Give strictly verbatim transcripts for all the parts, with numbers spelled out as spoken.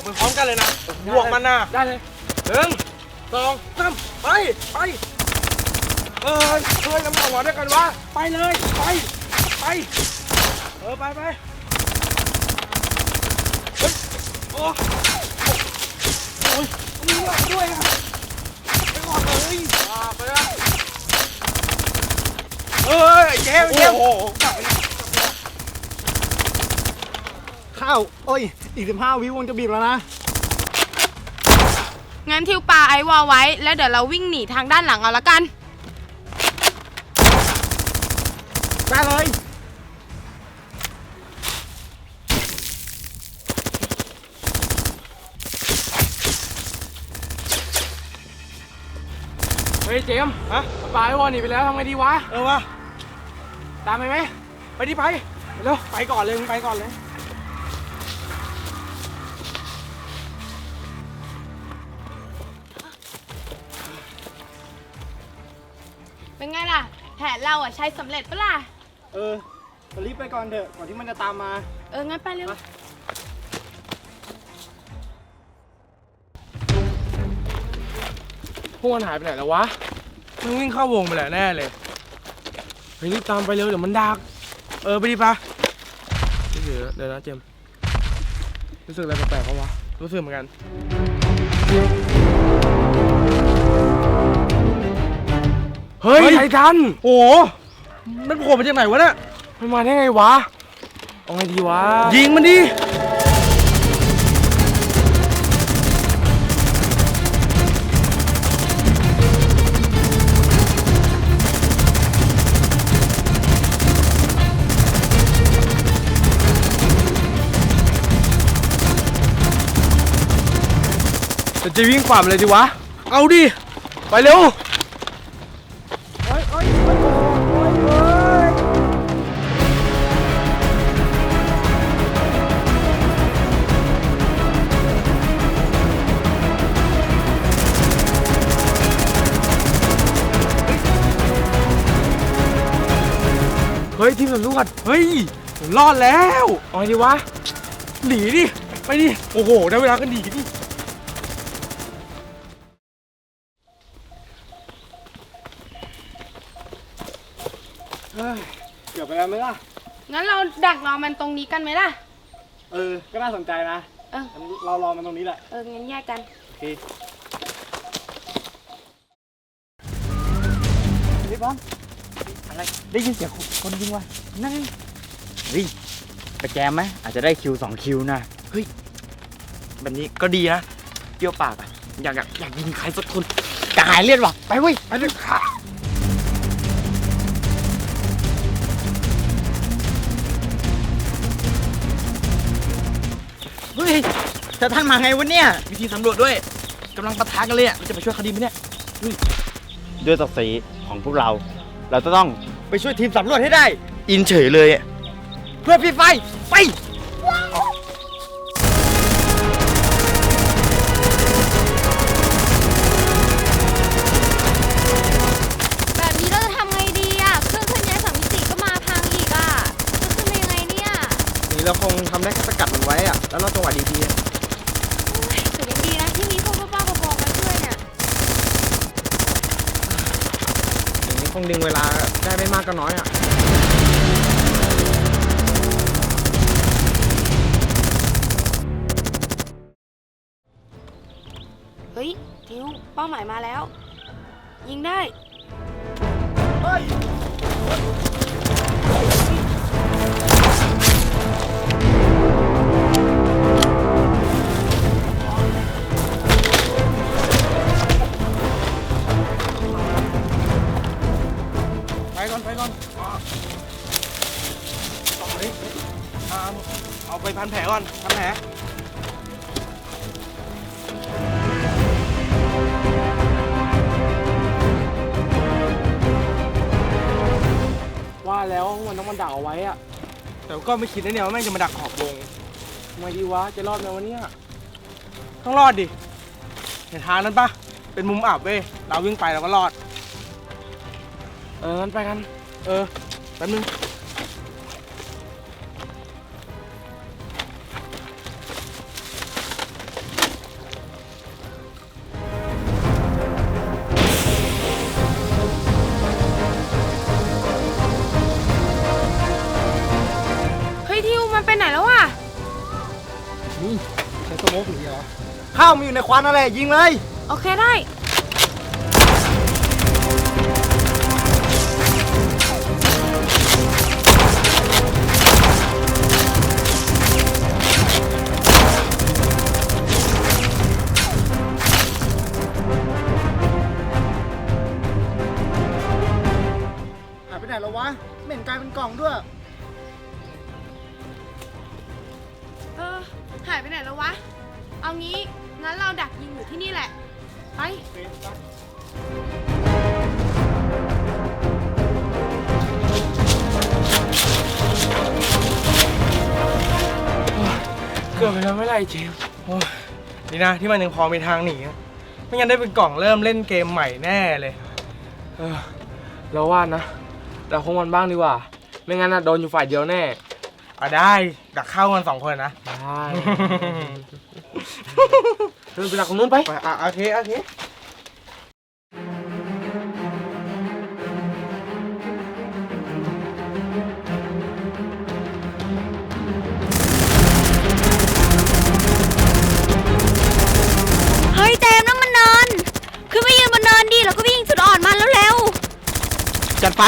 ไปพร้อมกันเลยนะบวกมันนะได้เลยหนึ่งสองสามไปไปเออเฮ้ยน้ำหนักหัวด้วยกันวะไปเลยไปไปเออไปไปเฮ้ยโอ้โอ้ยมีเลือดด้วยอ่ะไปก่อนเลยไปเลยเฮ้ยเจ๊เจ๊โอ้โหข้าวโอ้ยอีกสิบห้าวิวงจะบีบแล้วนะงั้นทิวปลาไอวอลไว้แล้วเดี๋ยวเราวิ่งหนีทางด้านหลังเอาละกันได้เลยเฮ้ยเจมส์ฮะปลาไอวอลหนีไปแล้วทำไงดีวะเออวะตามไปไหมไปดิไปเร็วไปก่อนเลยมึงไปก่อนเลยเป็นไงล่ะแผนเราอ่ะใช้สำเร็จปะล่ะเออรีบไปก่อนเถอะก่อนที่มันจะตามมาเอองั้นไปเร็วพวกมันหายไปไหนแล้ววะมึงวิ่งเข้าวงไปแหละแน่เลยเฮ้ยรีบตามไปเร็วเดี๋ยวมันดักเออไปดิปะเดี๋ยวเดี๋ยวนะเจมรู้สึกอะไรแปลกๆเขาวะรู้สึกเหมือนกันเฮ้ยไททันโอ้มันโผล่มาจากไหนวะเนี่ยมันมาได้ไงวะเอาไงดีวะยิงมันดิจะวิ่งฝ่ามันเลยดิวะเอาดิไปเร็วเฮ้ยเฮ้ยเฮ้ยเฮ้ยเฮ้ยเฮ้ยทีมสำรวจเฮ้ยผมรอดแล้วเอาไงดีวะหนีดิไปดิโอ้โหได้เวลาก็หนีดิเกือบไปแล้วไหมล่ะงั้นเราดักรอมันตรงนี้กันไหมล่ะเออก็น่าสนใจนะเออเรารอมันตรงนี้แหละเอองั้นแยกกันโอเคนี่บ้างอะไรได้ยินเสียงคนยิงวะนั่นเฮ้ยไปแจมไหมอาจจะได้คิวสองคิวนะเฮ้ยแบบนี้ก็ดีนะเปรี้ยวปากอ่ะอยากอยากอยากยิงใครสักคนกายเลือดว่ะไปเว้ยไปเลยค่ะเฮ้ยจะท่านมาไงวะเนี่ยวิธีสำรวจด้วยกำลังปะทะกันเลยอ่ะเราจะไปช่วยคดีไหมเนี่ยด้วยศักดิ์ศรีของพวกเราเราจะต้องไปช่วยทีมสำรวจให้ได้อินเฉยเลยเพื่อพี่ไฟไปแบบนี้เราจะทำไงดีอ่ะเครื่องเคลื่อนย้ายสามมิติก็มาพังอีกอ่ะจะขึ้นไปยังไงเนี่ยนี่เราคงทำได้แค่สกัดมันไว้อ่ะแล้วเราจังหวะดีๆแต่ยังดีนะที่มีพวกป้าๆบอกๆมาช่วยเนี่ยอย่างนี้คงดึงเวลาได้ไม่มากก็น้อยอ่ะเฮ้ยทิวเป้าหมายมาแล้วยิงได้เฮ้ยไปก่อนไปก่อนเฮ้ยเอาไปพันแผลก่อนพันแผลว่าแล้วมันต้องมันดักเอาไว้อะแต่ก็ไม่คิดนะเนี่ยว่าแม่งจะมาดักขอบวงทำไมดีวะจะรอดไหมวะเนี่ยต้องรอดดิเห็นทางนั้นปะเป็นมุมอับเว้ยเราวิ่งไปเราก็รอดเอองั้นไปกันเออแป๊บนึงมันไปไหนแล้วอ่ะนี่ใช้สโมกหรือเหรอข้าวมันอยู่ในควันนั่นแหละยิงเลยโอเคได้หายไปไหนแล้ววะไม่เห็นกลายเป็นกล่องด้วยเออ หายไปไหนแล้ววะ เอางี้ งั้นเราดักยิงอยู่ที่นี่แหละ ไปเกือบไปแล้วไม่ไรเจมส์โอ้ยดีนะที่มันยังพอมีทางหนีอะไม่งั้นได้เป็นกล่องเริ่มเล่นเกมใหม่แน่เลยเออเราว่านะเราคงมันบ้างดีกว่า ไม่งั้นนะโดนอยู่ฝ่ายเดียวแน่อ่ะได้ดักเข้ากันสองคนนะได้เดินไปหลักของนู้นไปไปอ่ะโอเคโอเคเฮ้ยเจมส์นั่นมันเนินขึ้นไปยืนบนเนินดิแล้วก็วิ่งจุดอ่อนมาแล้วเร็วจัดไป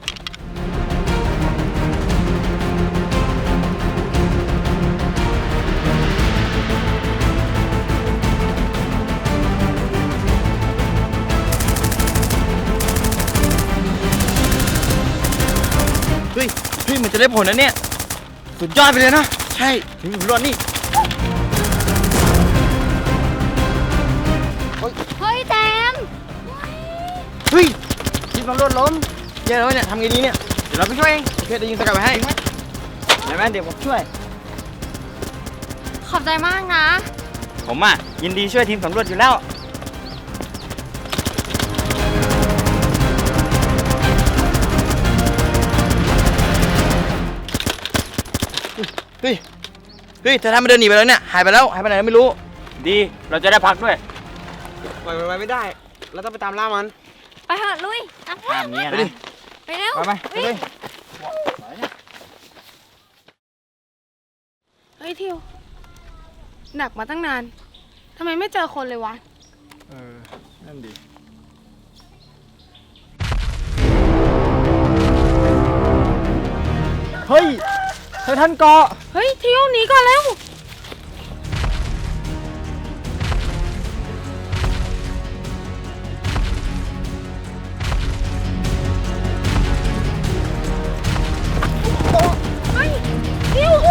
เฮ้ยเฮ้ยมันจะได้ผลนะเนี่ยสุดยอดไปเลยนะใช่ถึงสำรวจนี่เฮ้ยเจมส์เฮ้ยทีมสำรวจล้มแย่แล้วเนี่ยทำไงดีเนี่ยเดี๋ยวเราไปช่วยเองโอเคเดี๋ยวยิงสกัดไปให้เดี๋ยวแม่เดี๋ยวผมช่วยขอบใจมากนะผมอ่ะยินดีช่วยทีมสำรวจอยู่แล้วเฮ้ยเฮ้ยเธอทำมาเดินหนีไปแล้วเนี่ยหายไปแล้วหายไปไหนไม่รู้ดีเราจะได้พักด้วยปล่อยมันไปไม่ได้ เราต้องไปตามล่ามันไปเถอะลุยอ่ะตามนี้ไปนะไปเร็วไปไปไปเลยเฮ้ยทิวดักมาตั้งนานทำไมไม่เจอคนเลยวะเออนั่นดีเฮ้ยเธอท่านเกาะเฮ้ยทิวหนีก่อนเร็ว เฮ้ยทิว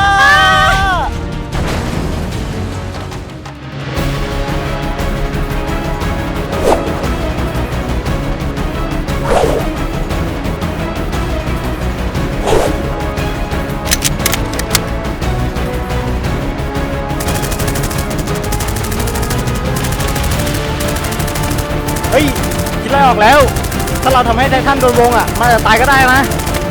เฮ้ยคิดอะไรออกแล้ว ถ้าเราทำให้ไททันโดนวงอ่ะมันอาจจะตายก็ได้นะ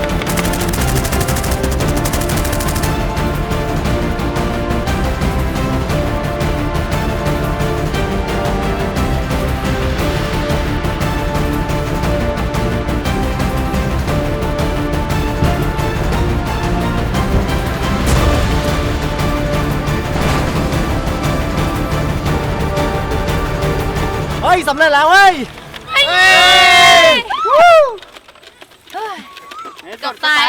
เฮ้ยสำเร็จแล้วเว้ยเกือบตาย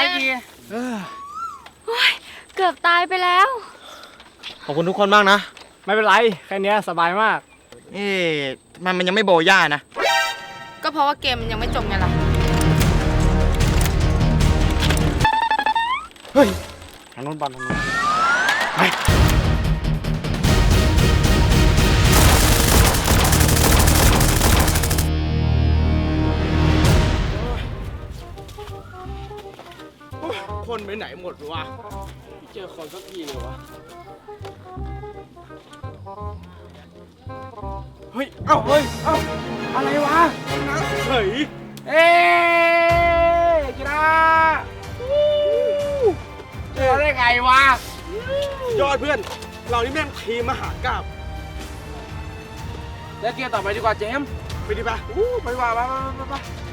เกือบตายไปแล้วขอบคุณทุกคนมากนะไม่เป็นไร แค่เนี้ยสบายมากเอ๊ะทำไมมันยังไม่โบย่านะก็เพราะว่าเกมมันยังไม่จบไงล่ะเฮ้ยทางโน้นบอลทางโน้นไปคนไปไหนหมดวะเจอคนสักทีเลยวะเฮ้ย เอ้า เฮ้ย เอ้า อะไรวะเฮ้ย เอ๊ะกีฬาเจอได้ไงวะ ยอดเพื่อน เรานี่แม่งทีมมหากาพย์แล้วเกียร์ต่อไปดีกว่าเจมส์ไปดิปะอู้ไปดีกว่าไปไปไปไป